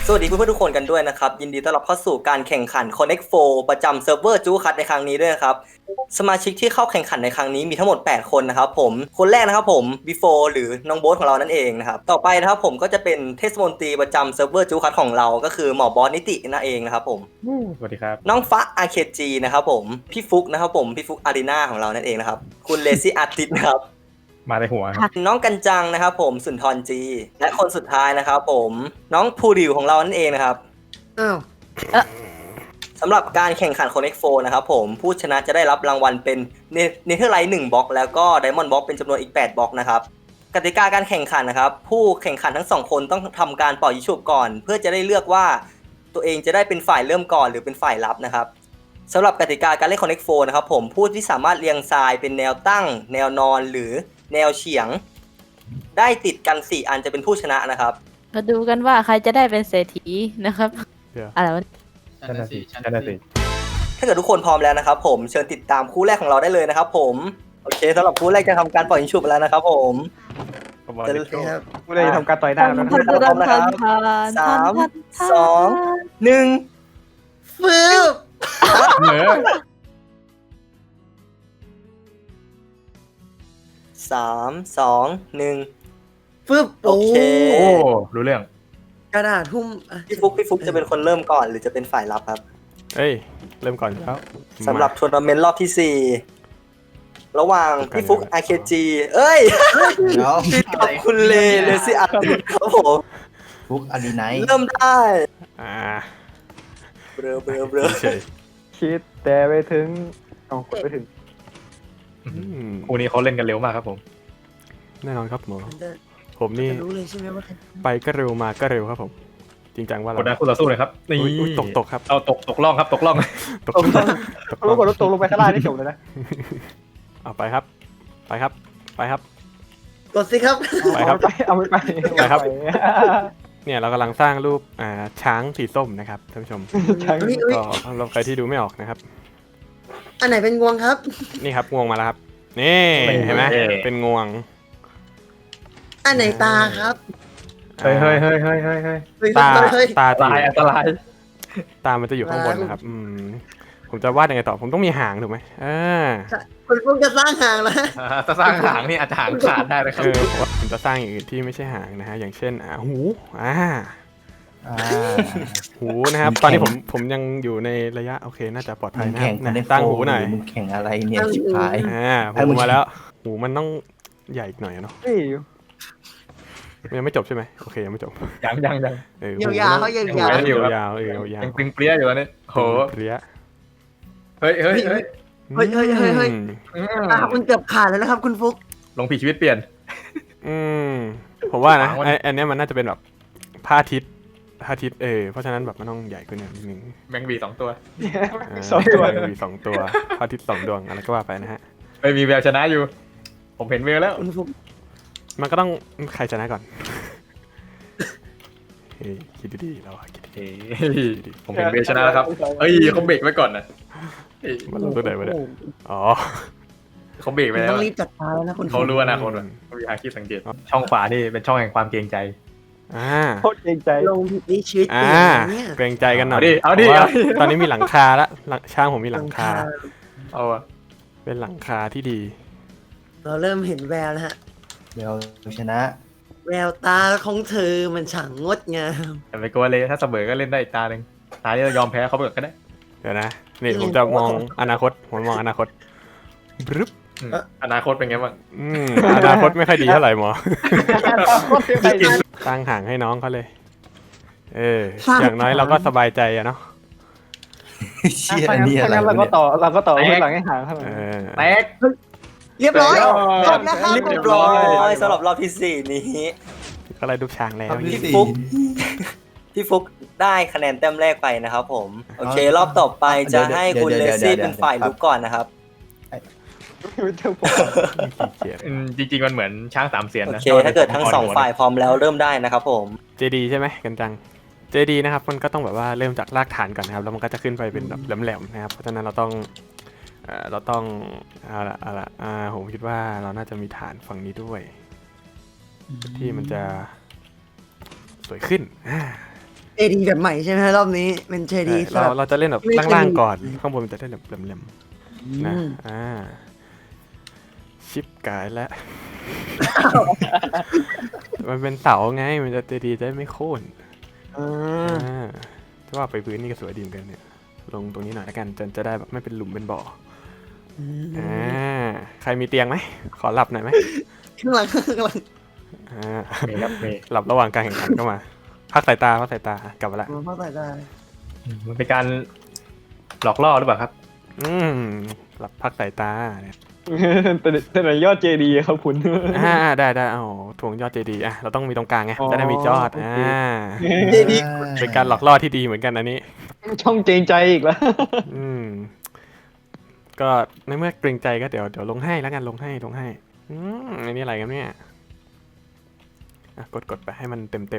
สวัสดีเพื่อนๆทุกคนกันด้วยนะครับยินดีต้อนรับเข้าสู่การแข่งขัน Connect 4 ประจำเซิร์ฟเวอร์จูคัทในครั้งนี้ด้วยนะครับสมาชิกที่เข้าแข่งขันในครั้งนี้มีทั้งหมด8คนนะครับผมคนแรกนะครับผมบีโฟหรือน้องโบ๊ทของเรานั่นเองนะครับต่อไปนะครับผมก็จะเป็นเทศมนตรีประจำเซิร์ฟเวอร์จูคัทของเราก็คือหมอบอสนิตินั่นเองนะครับผมสวัสดีครับน้องฟ้า RKG นะครับผมพี่ฟุกนะครับผมพี่ฟุกอารีนาของเรานั่นเองนะครับคุณเลซี่อาร์ติสนะครับมาในหัวครับน้องกันจังนะครับผมสุนทรจีและคนสุดท้ายนะครับผมน้องภูริวของเรานั่นเองนะครับอ้าวสำหรับการแข่งขัน Connect 4 นะครับผมผู้ชนะจะได้รับรางวัลเป็นเนเธอร์ไลท์1บล็อกแล้วก็ไดมอนด์บล็อกเป็นจำนวนอีก8บล็อกนะครับกติกาการแข่งขันนะครับผู้แข่งขันทั้ง2คนต้องทำการเป่ายิงฉุบก่อน เพื่อจะได้เลือกว่าตัวเองจะได้เป็นฝ่ายเริ่มก่อนหรือเป็นฝ่ายรับนะครับสำหรับกติกาการเล่น Connect 4 นะครับผมผู้ที่สามารถเรียงทรายเป็นแนวตั้ง แนวนอนหรือแนวเฉียง ได้ติดกัน4อันจะเป็นผู้ชนะนะครับมาดูกันว่าใครจะได้เป็นเศรษฐีนะครับเดี๋ยวอะไรวะชันสิชันสิถ้าเกิดทุกคนพร้อมแล้วนะครับผมเชิญติดตามคู่แรกของเราได้เลยนะครับผมโอเคสำหรับคู่แรกจะทำการปล่อยยิงฉุบแล้วนะครับผมจะครับไม่ได้ทำการต่อยหน้าแล้วพร้อมนะครับสามสองหนึ่งฟืบเหนือสามสองหนึ่งฟืบโอเคโอ้รู้เรื่องกระดาษหุ้มอ่ะพี่ฟุกจะเป็นคนเริ่มก่อนหรือจะเป็นฝ่ายรับครับเอ้ยเริ่มก่อนอยู่แล้วสำหรับทัวร์นาเมนต์รอบที่ 4 ระหว่างพี่ฟุก RKG เอ้ยเดี๋ยวกับคุณเลซี่อาร์ติครับผมฟุกอารีไนท์เริ่มได้อ่าเบลอเฉยคิดแต่ไปถึงเอากดไปถึงคู่นี้เขาเล่นกันเร็วมากครับผมแน่นอนครับหมอมันจะผมนี่รู้เลยใช่ไหมว่าใครไปก็เร็วมาก็เร็วครับผม จริงจังว่ากดดันคู่ต่อสู้เลยครับนี่อุ๊ยตกครับเอาตกล่องครับตกล่องตกรู้ก่อนรถตกลงไปข้างล่างนี่จบเลยนะเอาไปครับ ไปครับ ไปครับกดสิครับไปครับเอาไปไปครับ เนี่ยเรากำลังสร้างรูปช้างสีส้มนะครับท่านผู้ชมช้างอุ๊ยอุ๊ยก็เราใครที่ดูไม่ออกนะครับอันไหนเป็นงวงครับนี่ครับงวงมาแล้วครับนี่เห็นไหมเป็นงวงอันไหนตาครับเฮ้ยเฮ้ยตาเฮ้ยตาอันตจะรายอันตรายตามันจะอยู่ข้างบนนะครับผมจะวาดยังไงต่อผมต้องมีหางถูกไหมคุณพวกจะสร้างห่างแล้วถ้าสร้างหางนี่อาจจะหางขาดได้นะครับผมจะสร้างอย่างอื่นที่ไม่ใช่หางนะฮะอย่างเช่นหูหูนะครับ ตอนนี้ผมยังอยู่ในระยะโอเคน่าจะปลอดภัยนะคแข่รังบกันในตั้งหูหน่อยมึงแข่งอะไรเนี่ยชิบหายหูมาแล้วหูมันต้องใหญ่อีกหน่อยเนาะนี่ยังไม่จบใช่ไหมโอเคยังไม่จบยังยาวๆเขายาวยาวๆยังตึงเปรี้ยอยู่ตอนนี้โหเปรี้ยเฮ้ยเฮ้ยตาคุณเกือบขาดแล้วนะครับ คุณฟุกลงผีชีวิตเปลี่ยนผมว่านะวางไว้อันนี้มันน่าจะเป็นแบบพระอาทิตย์เพราะฉะนั้นแบบมันต้องใหญ่ขึ้นนิดนึงแมงวี2ตัวสองตัวมี2ตัวพระอาทิตย์2ดวงอะไรก็ว่าไปนะฮะไม่มีแววชนะอยู่ ผมเห็นแววแล้วคุณฟุกมันก็ต้องใครชนะก่อนเฮ้ยคิดดีๆเราคิดดีเฮ้ยผมเห็นแววชนะแล้วครับเอ้ยเขาเบรกไว้ก่อนนะเฮ้ยๆมันลงตัวไหนวะเนี่ยอ๋อเขาเบรกคุไปณแล้วต้องรีบจัดการแล้วนะคุณฟุเขากรู้อนาคตว่ะเขามีอาชีพสังเกต ช่องขวานี่เป็นช่องแห่งความเกรงใจโคตรเกรงใจลงผิดนี่ชีวิตเปลี่ยนนะเนี่ยเกรงใจกันหน่อยเอาดิพระว่ตอนนี้มีหลังคาแล้วช่างผมมีหลังคาเอาอะเป็นหลังคาที่ดีเราเริ่มเห็นแววแล้วฮะเดี๋ยวชนะแววตาของเธอมันช่างงดงามแต่ไม่กลัวเลยถ้าเสมอก็เล่นได้อีกตาหนึ่งตาที่เรายอมแพ้เขาไปก่อนก็ได้เดี๋ยวนะนี่ผมจะมองอนาคตผมมองอนาคตบรึบอนาคตเป็นไงบ้างอนาคตไม่ค่อยดีเท่าไหร่หมอโคตรเกรงใจตั้งห่างให้น้องเขาเลย อย่างน้อยเราก็สบายใจอะเนาะเชี่ยนี่อะไรเราวะก็เนี่ยต่อหลังให้ห่างเท่านั้นแตกเรียบร้อยจบแล้วครับเรียบร้อยสำหรับรอบที่ 4 นี้ก็เลยดูช้างแล้วพี่ฟุก พี่ฟุกได้คะแนนแต้มแรกไปนะครับผมโอเครอบต่อไปจะให้คุณเลซี่เป็นฝ่ายลุกก่อนนะครับจริงๆมันเหมือนช้างสามเสียนโอนะเคถ้าเกิดทั้ง2ฝ่ายพร้อมแล้วเริ่มได้นะครับผมเจดีใช่ไหมกันจังเจดีนะครับมันก็ต้องแบบว่าเริ่มจากรากฐานก่อนนะครับแล้วมันก็จะขึ้นไปเป็นแบบแหลมๆนะครับเพราะฉะนั้นเราต้องเอาละผมคิดว่าเราน่าจะมีฐานฝั่งนี้ด้วย ที่มันจะสวยขึ้นเจดีแบบใหม่ใช่ไหมรอบนี้เป็นเจดีเราจะเล่นแบบไม่เคยล่างมีๆก่อน ข้างบนมันจะได้แบบแหลมๆนะชิปกายแล้ว มันเป็นเสาไงมันจะดีจะไม่โค่นถ้าว่าไปพื้นนี่ก็สวยดีเหมือนกันเนี่ยลงตรงนี้หน่อยละกันจะได้แบบไม่เป็นหลุมเป็นบ่อใครมีเตียงไหมขอหลับหน่อยไหมข้างหลังหลับระหว่างการแข่งขันก็มาพักสายตากลับมาละเข้าใจได้มันเป็นการหลอกล่อหรือเปล่าครับหลับพักสายตาเนี่ยแต่ไหนยอดเจดีครับคุณได้เอาถ่วงยอดเจดีเราต้องมีตรงกลางไงจะได้มียอดเจดีเป็นการหลอกล่อที่ดีเหมือนกันอันนี้ช่องเกรงใจอีกแล้วก็ในเมื่อเกรงใจก็เดี๋ยวลงให้แล้วกันลงให้อันนี้อะไรกันเนี่ยกดไปให้มันเต็ม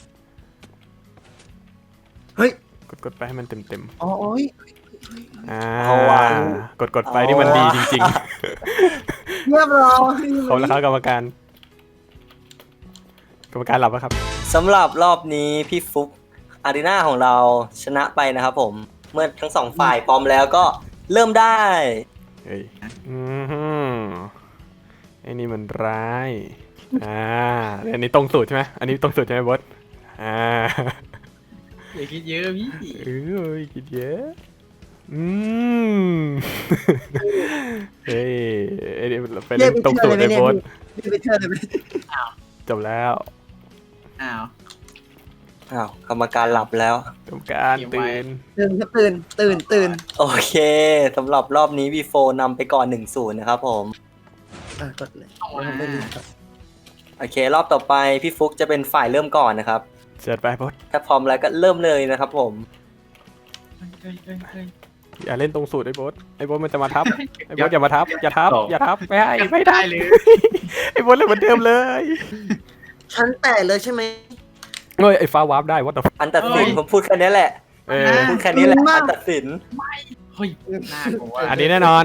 เฮ้ยกดไปให้มันเต็มโอ้ยเอาว่ะกดไปนี่มันดีจริงเรียบร้อยๆเขาแล้วครับกรรมการหลับแล้วครับสำหรับรอบนี้พี่ฟุกอารีนาของเราชนะไปนะครับผมเมื่อทั้งสองฝ่ายพร้อมแล้วก็เริ่มได้เฮ้ยไอ้นี่มันร้ายอันนี้ตรงสูตรใช่ไหมอันนี้ตรงสูตรใช่ไหมบอสอย่าคิดเยอะพี่คิดเยอะเฮ้ยไปเล่นตรงสูตรไอ้บอสไปเชื่อเลยไหมจบแล้วอ้าวกรรมการหลับแล้วกรรมการตื่นตื่นโอเคสำหรับรอบนี้วีโฟนำไปก่อน 1-0 นะครับผมกดเลยโอเค รอบต่อไปพี่ฟุกจะเป็นฝ่ายเริ่มก่อนนะครับเสร็จไปบอสถ้าพร้อมแล้วก็เริ่มเลยนะครับผมอย่าเล่นตรงสูตรไอ้บอสมันจะมาทับไอ้บอสอย่ามาทับอย่าทับไม่ได้เลยไอ้บอสเล่นเหมือนเดิมเลยชั้นแต่เลยใช่ไหมเฮ้ยไอ้ฟ้าวาร์ปได้วัดต่ออันตัดสินผมพูดแค่นี้แหละพูดแค่นี้แหละอันตัดสินเฮ้ยน่ากลัวอันนี้แน่นอน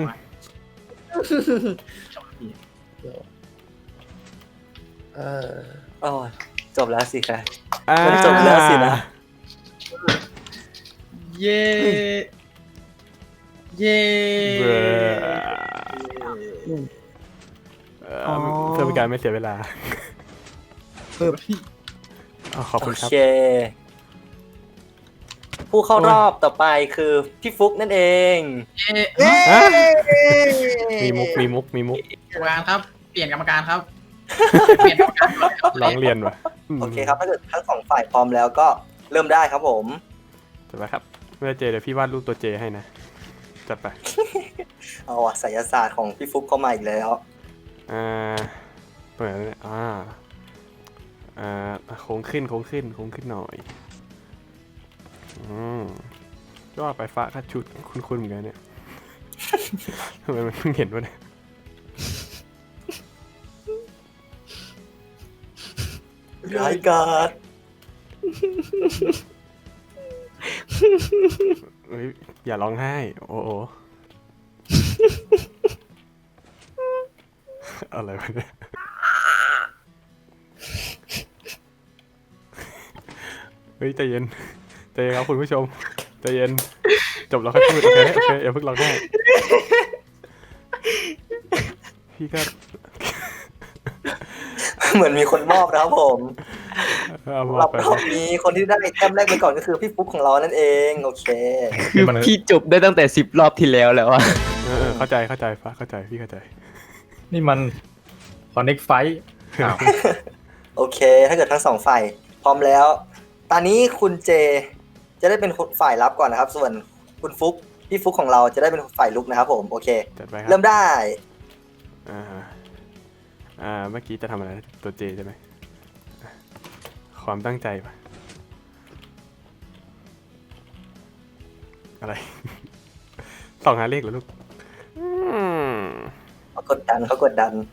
อ๋อจบแล้วสิครับ มันจบแล้วสินะเย่เย่เพื่อเป็นการไม่เสียเวลาขอบโอคุณครับเค ผู้เข้ารอบต่อไปคือพี่ฟุกนั่นเองมีมุกกรรมการครับ เปลี่ยนกรรมการครับ เปลี่ยนกรรมการก่อนครับร้องเรียนว่ะโอเคครับถ้าเกิดทั้งสองฝ่ายพร้อมแล้วก็เริ่มได้ครับผมจัดไปครับเมื่อเจเดี๋ยวพี่วาดรูปตัวเจให้นะจัดไปเอาอะไสยศาสตร์ของพี่ฟุกเข้ามาอีกแล้วเปิดเนี่ยโค้งขึ้นหน่อยก็ไปฟ้าคัดชุดคุ้นๆเหมือนกันเนี่ย ทำไมมันเพิ่งเห็นวะเนี่ยร้ายกาจเฮ้ยอย่าร้องไห้โอ้โห อะไรวะเนี่ยเฮ้ยใจเย็นครับคุณผู้ชมใจเย็นจบแล้วค่อยพูดโอเคอย่าเพิ่งร้องไห้พี่ก็เหมือนมีคนมอบนะครับผมเอารอบไปนี้คนที่ได้แต้มแรกไปก่อนก็คือพี่ฟุกของเรานั่นเองโอเคคือพี่จบได้ตั้งแต่10 รอบที่แล้วแล้วอะเข้าใจฟ้าเข้าใจพี่เข้าใจนี่มัน Connect Fight โอเค ถ้าเกิดทั้งสองฝ่ายพร้อมแล้ว ตอนนี้คุณเจจะได้เป็นฝ่ายรับก่อนนะครับ ส่วนคุณฟุกพี่ฟุกของเราจะได้เป็นฝ่ายลุกนะครับผมโอเคจัดไปครัเริ่มได้เมื่อกี้จะทำอะไรตัวเจใช่ไหมความตั้งใจปะอะไร ส่องหาเลขเหรอลูกเขากดดัน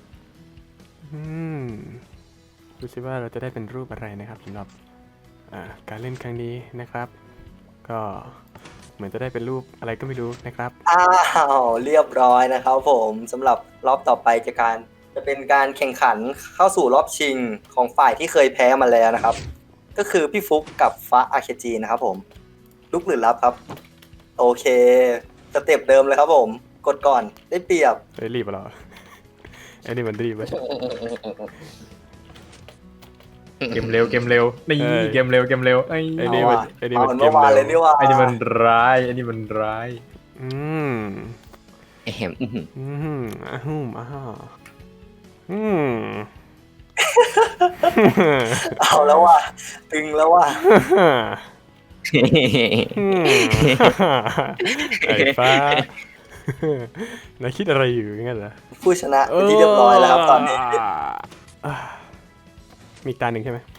ดูสิว่าเราจะได้เป็นรูปอะไรนะครับสำหรับการเล่นครั้งนี้นะครับ ก็เหมือนจะได้เป็นรูปอะไรก็ไม่รู้นะครับอ้าวเรียบร้อยนะครับผมสำหรับรอบต่อไปจะเป็นการแข่งขันเข้าสู่รอบชิงของฝ่ายที่เคยแพ้มาแล้วนะครับก็คือพี่ฟุกกับฟ้าอาเคจีนะครับผมลุกหรือรับครับ โอเคสเต็ปเดิมเลยครับผมกดก่อนได้เปรียบเฮ้ยรีบเหรอไอ้นี่มันรีบไหมเกมเร็วนี่เอ้ยเกมเร็วไอ้ไอ้นี่เอามันว่ะไอ้นี่เอามันเหมือนเมื่อวานเลยนี่ว่าไอ้นี่มันร้ายไอ้นี่มันร้ายอืมแหมอื้อหืออืมอืมเอาแล้วว่ะตึงแล้วว่ะไอ้ฟ้า นายคิดอะไรอยู่งั้นเหรอผู้ชนะเป็นที่เรียบร้อยแล้วครับตอนนี้อ่ามีตาหนึ่งใช่ไหม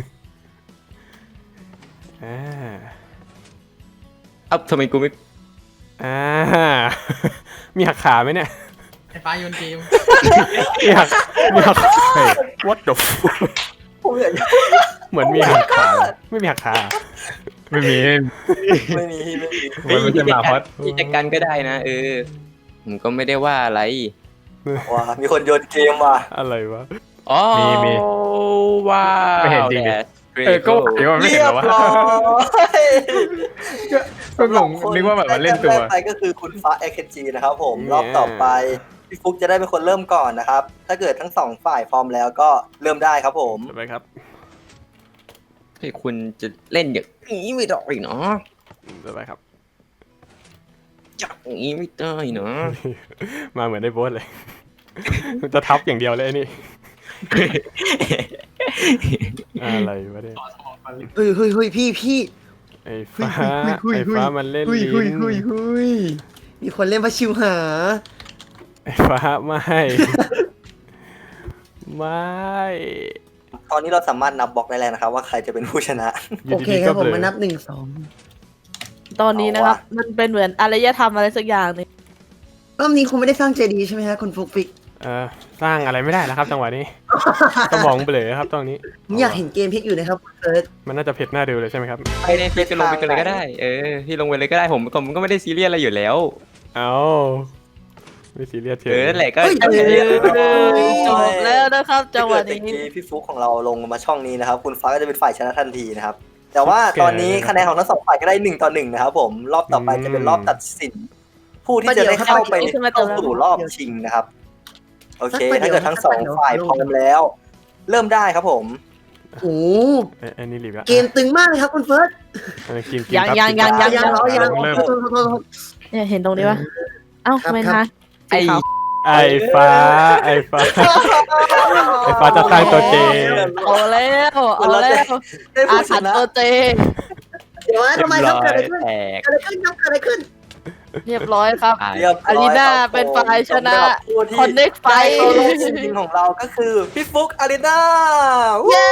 อ่าเอ้าทำไมกูไม่อ่า มีหักขาไหมเนี่ยไอ้ฟ้าโยนเกมมีหักเฮ้ย what the fuck ผมอยากเหมือนมีหักขาไม่มีหักขาไม่มีไม่มีมันไม่ใช่หมาฮอตพี่จัดการก็ได้นะผมก็ไม่ได้ว่าอะไรว้ามีคนโยนเกมว่ะอะไรวะอ๋อมีว้าวไม่เห็นจริงดิ That's ก็ pretty เดี๋ยวมันไม่เรีเห็นยหรบอวะร้อยก็งงนึกว่าแบบมันเล่นตัวแรกไปก็คือคุณฟ้า AKG นะครับผมรอบต่อไปพี่ฟุกจะได้เป็นคนเริ่มก่อนนะครับ ถ้าเกิดทั้งสองฝ่ายพร้อมแล้วก็เริ่มได้ครับผมไปครับให้คุณจะเล่นอย่างนี้ไม่ได้เนาะไปครับอย่างนี้ไม่ได้เนาะมาเหมือนได้โบสเลย จะทับอย่างเดียวเลยไอ้นี่ อะไรวะเนี่ยเฮ้ยพี่ไอ้ฟ้าเฮ้ยไอ้ฟ้ามันเล่นลิ้นมีคนเล่นพระชิวหาไอ้ฟ้าไม่ ไม่ตอนนี้เราสามารถนับบล็อกได้แล้วนะครับ ว่าใครจะเป็นผู้ชนะยู่โอเคดีๆครับก็ผมเบลอมานับ1 2 ตอนนี้นะครับเอาวะมันเป็นเหมือนอารยธรรมอะไรสักอย่างหนึงรอบนี้คงไม่ได้สร้างเจดีย์ใช่ไหมฮะคุณฟุกฟิกสร้างอะไรไม่ได้แล้วครับจังหวะนี้ สมองเบลอครับตรงนี้ผมอยากเห็นเกมพลิกอยู่นะครับคุณเฟิร์สมันน่าจะเผ็ดหน้าดูเลยใช่ไหมครับไม่ได้พี่จะลงไปกันเลยก็ได้ พี่ลงไปเลยก็ได้ผมก็ไม่ได้ซีเรียสอะไรอยู่แล้วเอาไม่ซีเรียสเฉยนั่นแหละก็เฮ้ยจบแล้วนะครับจังหวะถ้าเกิดนี้เมื่อกี้พี่ฟุกของเราลงมาช่องนี้นะครับ คุณฟ้าก็จะเป็นฝ่ายชนะทันทีนะครับ แต่ว่าตอนนี้คะแนนของทั้งสองฝ่ายก็ได้1-1นะครับผมรอบต่อไปจะเป็นรอบตัดสิน ผู้ที่จะได้เข้าไปเข้าสู่รอบชิงนะครับ โอเค ถ้าเกิดทั้งสองฝ่ายพร้อมแล้ว เริ่มได้ครับผมโอ้โหไอ้นี่รีบละเกมตึงมากเลยครับคุณเฟิร์สกินยังครับยังกินครับยังเหรอยังเริ่มเนี่ยเห็นตรงนี้ปะเอ้าครับไม่ครันะบไอ้ไอ้ฟ้าไอ้ฟ้าจะสร้างตัวเจเอาแล้วเอาแล้วได้อาผู้ชถรรพ์นะตัวเจเดี๋ยวนะทำไมครับเกิดอะไรขึ้นแตกเกิดอะไรขึ้นครับเกิดอะไรขึ้นเรียบร้อยครับเรียบร้อยอารีนาครับเป็นฝ่ายชนะสำหรับผู้ที่ Connect ไฟได้เข้ารอบชิงของเราก็คือพี่ฟุกอารีนาเย้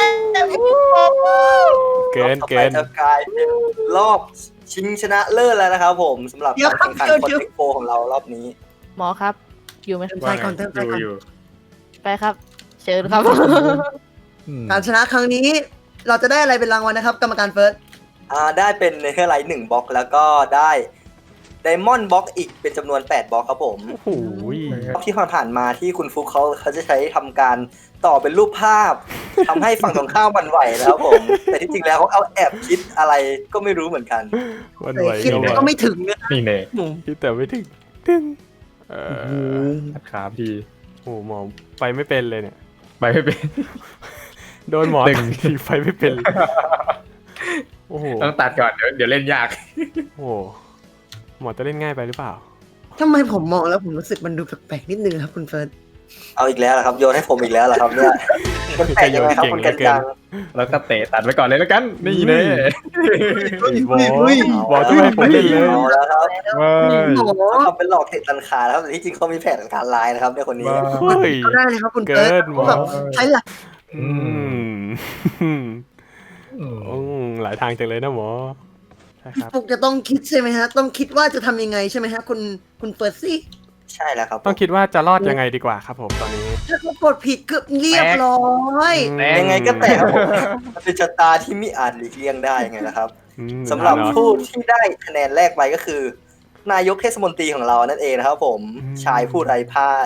เกินรอบต่อเกิไปนจะกลายเป็นรอบชิงชนะเลิศแล้วนะครับผมสำหรับการแข่งขันคอนเทคโปของเรารอบนี้หมอครับ อยู่ไหมเติมใจก่อนเติมใจก่อนอยู่ไปครับ เชิญครับการชนะครั้งนี้ เราจะได้อะไรเป็นรางวัลนะครับ กรรมการเฟิร์สได้เป็นเนเธอร์ไลท์1บล็อกแล้วก็ได้ไดมอนด์บล็อกอีกเป็นจำนวน8บล็อกครับผมโอ้โหรอบที่ผ่านมาที่คุณฟุกเขาจะใช้ทำการต่อเป็นรูปภาพทำให้ฝั่งตรงข้ามหวั่นไหวแล้วผม แต่ที่จริงแล้วเขาเอาแอบคิดอะไรก็ไม่รู้เหมือนกันวันไหวคิดก็แต่ว่าก็ไม่ถึงนะนี่เน่คิดแต่ไม่ถึงตึ้งอขาพี่โอ้โหหมอไปไม่เป็นเลยเนี่ยไปไม่เป็นโดนหมอดึงทีไปไม่เป็นเลยโอ้โหต้องตัดก่อนเดี๋ยวเล่นยากโอ้โหหมอจะเล่นง่ายไปหรือเปล่าทำไมผมมองแล้วผมรู้สึกมันดูแปลกๆนิดนึงครับคุณเฟิร์สเอาอีกแล้วเหรอครับโยนให้ผมอีกแล้วเหรอครับเนี่ยมันแปลกยังไงครับคุณกันจังแล้วก็เตะตัดไว้ก่อนเลยแล้วกัน นี่เน่วอลจะไม่ให้ผมเล่นเลยเอาแล้วครับว้ายหมอเขาทำเป็นหลอกเตะตันขานะครับแต่ที่จริงเขามีแผนการลายนะครับในคนนี้เฮ้ยก็ได้เลยครับคุณเฟิร์สเกินหมอแบบใช้หลักอืมหลายทางจังเลยนะหมอใช่ครับฟุกจะต้องคิดใช่ไหมฮะ ต้องคิดว่าจะทำยังไงใช่ไหมฮะคุณเฟิร์สซี่ใช่แล้วครับต้องคิดว่าจะรอดยังไงดีกว่าครับผมตอนนี้ถ้าเขากดผิดเกือบเรียบร้อยยังไงก็แตกครับผมมันเป็นชะตาที่ไม่อาจหลีกเลี่ยงได้ยังไงนะครับอืมสำหรับเนาะผู้ที่ได้คะแนนแรกไปก็คือ นายกเทศมนตรีของเรานั่นเองนะครับผมอืมชายผู้ไร้พ่าย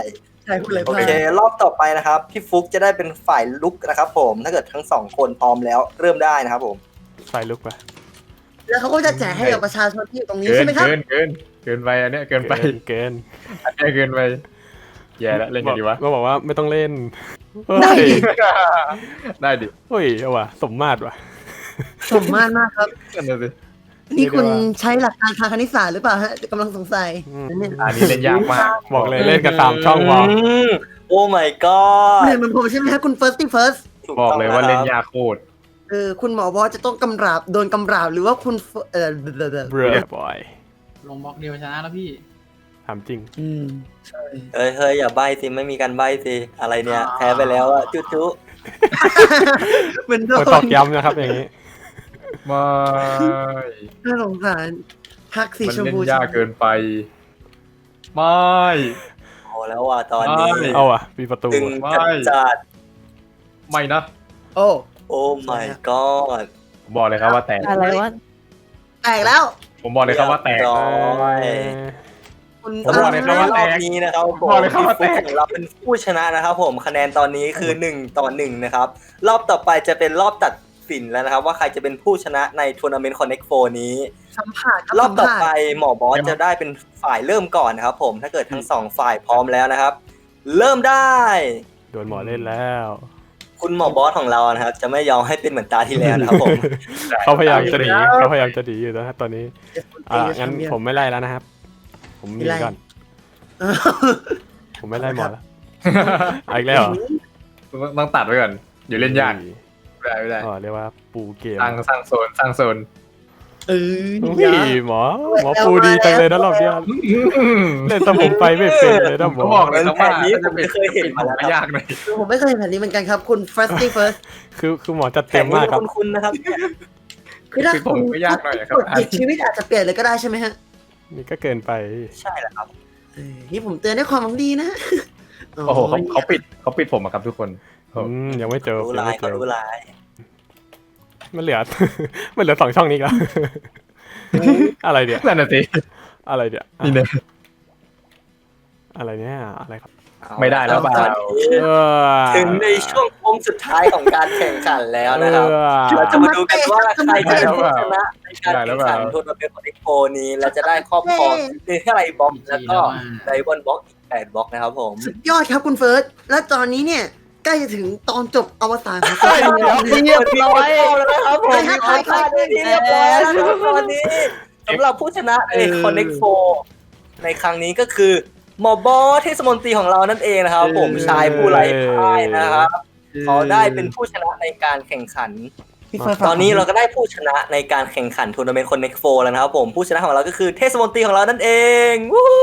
ใช่พูดเลยโอพลาดเครอบต่อไปนะครับพี่ฟุกจะได้เป็นฝ่ายลุกนะครับผมถ้าเกิดทั้งสองคนพร้อมแล้วเริ่มได้นะครับผมไฟลุกปะแล้วเขาก็จะแจกให้กับประชาชนที่อยู่ตรงนี้เกิใช่นไหมครับเกินไปอันเนี้ยเกินไปเกินอันเนี้ยเกินไปแย่แล้วเล่นกันดีวะก็บอกว่าไม่ต้องเล่นได้เฮ้ยดิได้ดิเฮ้ยเอาว่ะสมมาตรว่ะสมมาตรมากครับนั่นน่ะสินี่คุณใช้หลักการทางคณิตศาสตร์หรือเปล่าฮะกำลังสงสัยอันนี้เล่นยากมากบอกเลยเล่นกัน3ช่องพอโอ้ my god เหมือนเหมือนผมใช่ไหมฮะคุณ first ถูบอกต้งเลยว่าเล่นยากโคตรคุณหมอบอสจะต้องกำราบโดนกำราบหรือว่าคุณเบรอบอยลงบล็อกเดียวชนะแล้วพี่ถามจริงใช่เฮ้ยอย่าใบ้สิไม่มีการใบ้สิอะไรเนี่ยแพ้ไปแล้วอะจุ๊จุ๊เหมือนโดโดนตอน กย้ำนะครับอย่างนี้ไม่น่าสงสารพักสีมันชมเล่นพูยากเกินไป ไม่โอ้แล้วว่ะตอนนี้ไม่เอาอ่ะมีประตูตึงไม่จัดไม่นะโอ้โอ้ my god ผมบอกเลยครับว่าแตกอะไรวะแตกแล้วผมบอกเลยครับว่าแตกเรียบร้อยคุณผมบอกเลยครับว่าแตรอบนี้นะครับผมบอกเลยครับว่าแตกพี่ฟุ๊ของเราเป็นผู้ชนะนะครับผมคะแนนตอนนี้คือ1-1นะครับรอบต่อไปจะเป็นรอบตัดสินแล้วนะครับว่าใครจะเป็นผู้ชนะในทัวร์นาเมนต์ Connect 4นี้สัมผัสครับรอบต่อสัมผัสไปหมอบอสจะได้เป็นฝ่ายเริ่มก่อนนะครับผมถ้าเกิดทั้งสองฝ่ายพร้อมแล้วนะครับ เริ่มได้โดนหมอเล่นแล้วคุณหมอบอสของเรานะครับจะไม่ยอมให้เป็นเหมือนตาที่แล้วนะครับผมเขาพยายามจะหนีเขาพยายามจะหนีอยู่นะครับตอนนี้งั้นผมไม่ไล่แล้วนะครับ ผมหนีก่อน ผมไม่ไล่หมอแล้วเอาอีกแล้วเหรอต้องตัดไว้ก่อนอยู่เล่นยากไม่ได้อ๋อเรียกว่าปูเกมสร้างโซนเอออุ้ยหมอปูดีจังเลยนะรอบเนี้ยเล่นแต่ผมไปไม่เป็นเลยนะหมก็อบอกเลยครับว่าแผนนี้ผมไม่เคยเห็นมาแล้วไม่ยากเลยคือผมไม่เคยเห็นแบบนี้เหมือนกันครับ คุณ first คือหมอจัดแผเต็นมนี้มากครับคุณนะครับคือถ้าผมก็ยากหน่อยครับกดผิดชีวิตอาจจะเปลี่ยนเลยก็ได้ใช่ไหมฮะนี่ก็เกินไปใช่แหละครับนี่ผมเตือนด้วยความหวังดีนะโอ้โหเขาปิดผมอะครับทุกคนยังไม่เจอรู้ยังลายไม่เจเขาอรู้ลายมันเหลือ มันเหลือ2 ช่องนี้อีแล้วอะไรเนี่ยนั่นน่ะสิอะไรเนี่ยนี่เนี่ยอะไรเนี่ยอะไรครับไม่ได้แล้วเปล่าเออถึงในช่วงโค้งสุดท้ายของการแข่งขันแล้วนะครับ เราจะมาดูกันว่าใครจะเป็นผู้ชนะในการแข่งขันทัวร์นาเมนต์ของเอ็กโปนี้และจะได้ครอบครองเนเธอร์ไลน์บล็อกแล้วก็ไดมอนด์บล็อกอีก8บล็อกนะครับผมสุดยอดครับคุณเฟิร์ส และตอนนี้เนี่ยใกล้จะถึงตอนจบอวสานของเรียบร้อยแล้วนะครับผมมีคนพลาดได้ที่เรียบร้อยแล้วนะครับตอนนี้สำหรับผู้ชนะใน Connect 4ในครั้งนี้ก็คือหมอบอสเทศมนตรีของเรานั่นเองนะครับผมชายผู้ไร้พ่ายนะครับเขาได้เป็นผู้ชนะในการแข่งขัน ตอนนี้เราก็ได้ผู้ชนะในการแข่งขันทัวร์นาเมนต์ Connect 4แล้วนะครับผมผู้ชนะของเราก็คือเทศมนตรีของเรานั่นเองวู้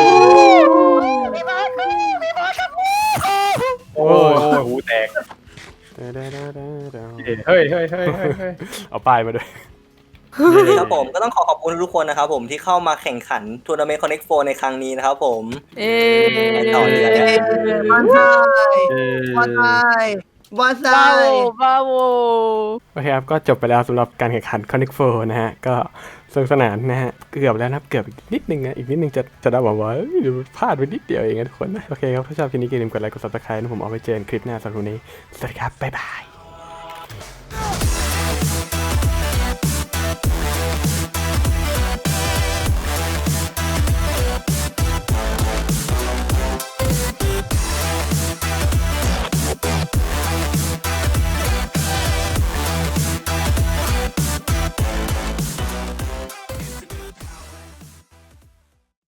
โอ้ยหูแตกเฮ้ยเอาป้ายมาด้วยครับผมก็ต้องขอบคุณทุกคนนะครับผมที่เข้ามาแข่งขันทัวร์นาเมนต์ Connect 4ในครั้งนี้นะครับผมเอ๊ไปต่อเลยวันไทยวันไทยวันไทบาย โวบาโวโอเคครับก็จบไปแล้วสำหรับการแข่งขัน Connect 4นะฮะก็สนุกสนานนะฮะเกือบแล้วนะครับเกือบอีกนิดนึงนะอีกนิดนึงจะได้บอกว่าเดี๋ยวพลาดไปนิดเดียวเองนะทุกคนนะโอเคครับถ้าชอบคลิปนี้อย่าลืมกดไลค์กด subscribe นะผมเอาไว้เจอกันคลิปหน้าสำหรับวันนี้สวัสดีครับบ๊ายบาย